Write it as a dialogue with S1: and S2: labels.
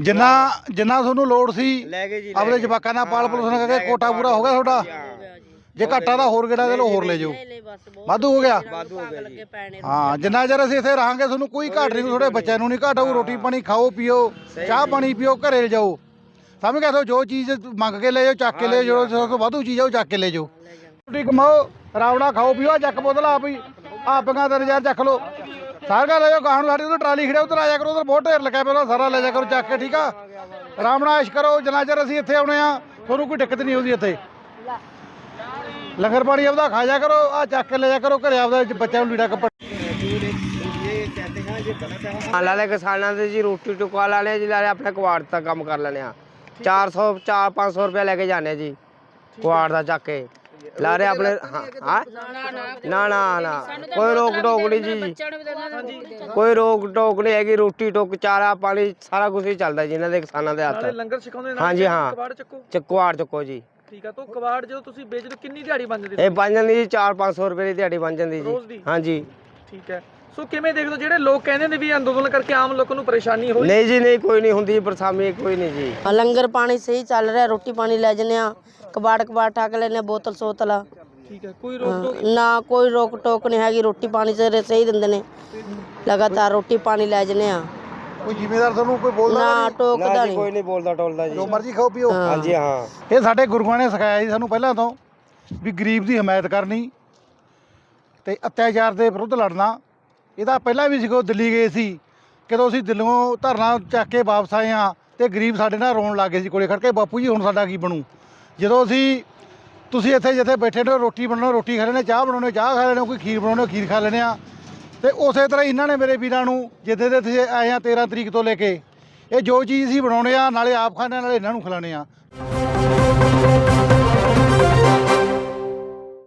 S1: ਜਿੰਨਾ ਜਿੰਨਾ ਤੁਹਾਨੂੰ ਲੋੜ ਸੀ ਆਪਣੇ ਜਵਾਕਾਂ ਨਾਲ ਪਾਲ ਪਲੋਸਣ ਕਰਕੇ ਕੋਟਾ ਪੂਰਾ ਹੋ ਗਿਆ ਤੁਹਾਡਾ। ਜੇ ਘਾਟਾ ਤਾਂ ਹੋਰ ਗੇੜਾ ਦੇ ਲੋ ਹੋਰ ਲੈ ਜਾਓ, ਵਾਧੂ ਹੋ ਗਿਆ। ਹਾਂ ਜਿੰਨਾ ਚਿਰ ਅਸੀਂ ਇੱਥੇ ਰਹਾਂਗੇ ਤੁਹਾਨੂੰ ਕੋਈ ਘਾਟ ਨਹੀਂ, ਤੁਹਾਡੇ ਬੱਚਿਆਂ ਨੂੰ ਨਹੀਂ ਘਾਟ ਆਊ। ਰੋਟੀ ਪਾਣੀ ਖਾਓ ਪੀਓ, ਚਾਹ ਪਾਣੀ ਪੀਓ, ਘਰੇ ਜਾਓ, ਸਮਝ ਗਏ। ਜੋ ਚੀਜ਼ ਮੰਗ ਕੇ ਲੈ ਜਾਓ, ਚੱਕ ਕੇ ਲੈ ਜਾਓ, ਜੋ ਵਾਧੂ ਚੀਜ਼ ਆ ਉਹ ਚੱਕ ਕੇ ਲੈ ਜਾਓ। ਰੋਟੀ ਕਮਾਓ, ਰਾਵਣਾ ਖਾਓ ਪੀਓ, ਚੱਕ ਬੋਤਲ ਆਪ ਹੀ ਆਪੀਆਂ 3000 ਚੱਕ ਲਓ, ਸਾਰਾ ਲੈ ਜਾਓ। ਗਾਹਾਂ ਨੂੰ ਸਾਡੀ ਉਧਰ ਟਰਾਲੀ ਖੜਿਆ, ਉਧਰ ਆ ਜਾ ਕਰੋ, ਉਧਰ ਬਹੁਤ ਢੇਰ ਲੱਗਿਆ ਪਿਆ, ਸਾਰਾ ਲੈ ਜਾ ਕਰੋ ਚੱਕ ਕੇ, ਠੀਕ ਆ। ਆਰਾਮ ਨਾਲ ਐਸ਼ ਕਰੋ, ਜਿੰਨਾ ਚਿਰ ਅਸੀਂ ਇੱਥੇ ਆਉਣੇ ਆ ਤੁਹਾਨੂੰ ਕੋਈ ਦਿੱਕਤ ਨਹੀਂ ਆਉਂਦੀ। ਇੱਥੇ ਲੰਗਰ ਪਾਣੀ ਆਪਦਾ ਖਾ ਜਾ ਕਰੋ, ਆ ਚੱਕ ਕੇ ਲੈ ਜਾ ਕਰੋ ਘਰੇ ਆਪਦਾ, ਬੱਚਿਆਂ ਨੂੰ ਲੀੜਾ ਕੱਪੜਾ।
S2: ਲਾਲੇ ਕਿਸਾਨਾਂ ਦੇ ਜੀ ਰੋਟੀ ਟੁਕਾ ਲਾਣੇ ਜੀ, ਲਾਲੇ ਆਪਣੇ ਕੁਆੜ ਦਾ ਕੰਮ ਕਰ ਲੈਣੇ ਆ। 400-500 ਰੁਪਇਆ ਲੈ ਕੇ ਜਾਂਦੇ ਜੀ ਕੁਆੜ ਦਾ ਚੱਕ ਕੇ ਲਾਰੇ ਆਪਣੇ। ਹਾਂ ਨਾ ਨਾ ਨਾ ਕੋਈ ਰੋਕ ਟੋਕ ਨਹੀਂ ਜੀ, ਕੋਈ ਰੋਕ ਟੋਕ ਨਹੀਂ ਹੈਗੀ। ਰੋਟੀ ਟੁੱਕ, ਚਾਰਾ ਪਾਣੀ ਸਾਰਾ ਕੁਝ ਹੀ ਚੱਲਦਾ ਜੀ ਇਹਨਾਂ ਦੇ ਕਿਸਾਨਾਂ ਦੇ ਹੱਥ।
S3: ਲੰਗਰ ਛਕਾਉਂਦੇ
S2: ਹਾਂਜੀ ਹਾਂ, ਕੁਆੜ ਚੱਕੋ ਜੀ।
S3: ਠੀਕ ਆ। ਤਾਂ ਕਬਾੜ ਜਦੋਂ ਤੁਸੀਂ ਵੇਚਦੇ ਕਿੰਨੀ ਦਿਹਾੜੀ ਬਣ ਜਾਂਦੀ?
S2: ਇਹ ਬਣ ਜਾਂਦੀ ਜੀ 400-500 ਰੁਪਏ ਦੀ ਦਿਹਾੜੀ ਬਣ ਜਾਂਦੀ ਜੀ। ਹਾਂਜੀ
S3: ਠੀਕ ਹੈ। ਸੋ ਕਿਵੇਂ ਦੇਖਦੇ ਹੋ ਜਿਹੜੇ ਲੋਕ ਕਹਿੰਦੇ ਨੇ ਵੀ ਅੰਦੋਲਨ ਕਰਕੇ ਆਮ ਲੋਕਾਂ ਨੂੰ ਪਰੇਸ਼ਾਨੀ ਹੋਈ?
S2: ਨਹੀਂ ਜੀ ਨਹੀਂ, ਕੋਈ ਨਹੀਂ ਹੁੰਦੀ ਪਰੇਸ਼ਾਨੀ, ਕੋਈ ਨਹੀਂ ਜੀ।
S4: ਲੰਗਰ ਪਾਣੀ ਸਹੀ ਚੱਲ ਰਿਹਾ, ਰੋਟੀ ਪਾਣੀ ਲੈ ਜਨੇ ਆ, ਕਬਾੜ ਠੱਕ ਲੈਨੇ, ਬੋਤਲ ਸੋਤਲ।
S3: ਠੀਕ ਹੈ। ਕੋਈ ਰੋਕ ਟੋਕ
S4: ਨਾ, ਕੋਈ ਰੋਕ ਟੋਕ ਨਹੀਂ ਹੈਗੀ। ਰੋਟੀ ਪਾਣੀ ਸਹੀ ਦਿੰਦੇ ਨੇ, ਲਗਾਤਾਰ ਰੋਟੀ ਪਾਣੀ ਲੈ ਜਨੇ ਆ।
S1: ਕੋਈ ਜ਼ਿਮੀਦਾਰ ਤੁਹਾਨੂੰ ਕੋਈ ਬੋਲਦਾ
S4: ਨਾ, ਟੋਕਦਾ
S2: ਕੋਈ ਨਹੀਂ ਬੋਲਦਾ ਟੋਲਦਾ ਜੀ,
S1: ਜੋ ਮਰਜ਼ੀ ਖਾਓ ਪੀਓ।
S2: ਹਾਂਜੀ ਹਾਂ।
S1: ਇਹ ਸਾਡੇ ਗੁਰੂਆਂ ਨੇ ਸਿਖਾਇਆ ਜੀ ਸਾਨੂੰ ਪਹਿਲਾਂ ਤੋਂ, ਵੀ ਗਰੀਬ ਦੀ ਹਮਾਇਤ ਕਰਨੀ ਤੇ ਅਤਿਆਚਾਰ ਦੇ ਵਿਰੁੱਧ ਲੜਨਾ। ਇਹਦਾ ਪਹਿਲਾਂ ਵੀ ਸਿੱਖੋ, ਦਿੱਲੀ ਗਏ ਸੀ, ਕਦੋਂ ਅਸੀਂ ਦਿੱਲੀੋਂ ਧਰਨਾ ਚੱਕ ਕੇ ਵਾਪਸ ਆਏ ਹਾਂ ਤੇ ਗਰੀਬ ਸਾਡੇ ਨਾਲ ਰੋਣ ਲੱਗ ਗਏ ਸੀ ਕੋਲੇ ਖੜ ਕੇ, ਬਾਪੂ ਜੀ ਹੁਣ ਸਾਡਾ ਕੀ ਬਣੂ। ਜਦੋਂ ਤੁਸੀਂ ਇੱਥੇ ਜਿੱਥੇ ਬੈਠੇ ਨੇ ਰੋਟੀ ਬਣਾਉਣਾ ਰੋਟੀ ਖਾ ਲੈਣੇ, ਚਾਹ ਬਣਾਉਣੇ ਚਾਹ ਖਾ ਲੈਣੇ, ਕੋਈ ਖੀਰ ਬਣਾਉਣੇ ਖੀਰ ਖਾ ਲੈਣੇ ਆ। ਤੇ ਉਸੇ ਤਰ੍ਹਾਂ ਇਹਨਾਂ ਨੇ ਮੇਰੇ ਵੀਰਾਂ ਨੂੰ ਜਿੱਦੇ ਦੇ ਤੁਸੀਂ ਆਏ ਆ 13 ਤਰੀਕ ਤੋਂ ਲੈ ਕੇ, ਇਹ ਜੋ ਚੀਜ਼ ਅਸੀਂ ਬਣਾਉਣੇ ਆ ਨਾਲੇ ਆਪ ਖਾਣੇ ਨਾਲੇ ਇਹਨਾਂ ਨੂੰ ਖਿਲਾਣੇ ਆ।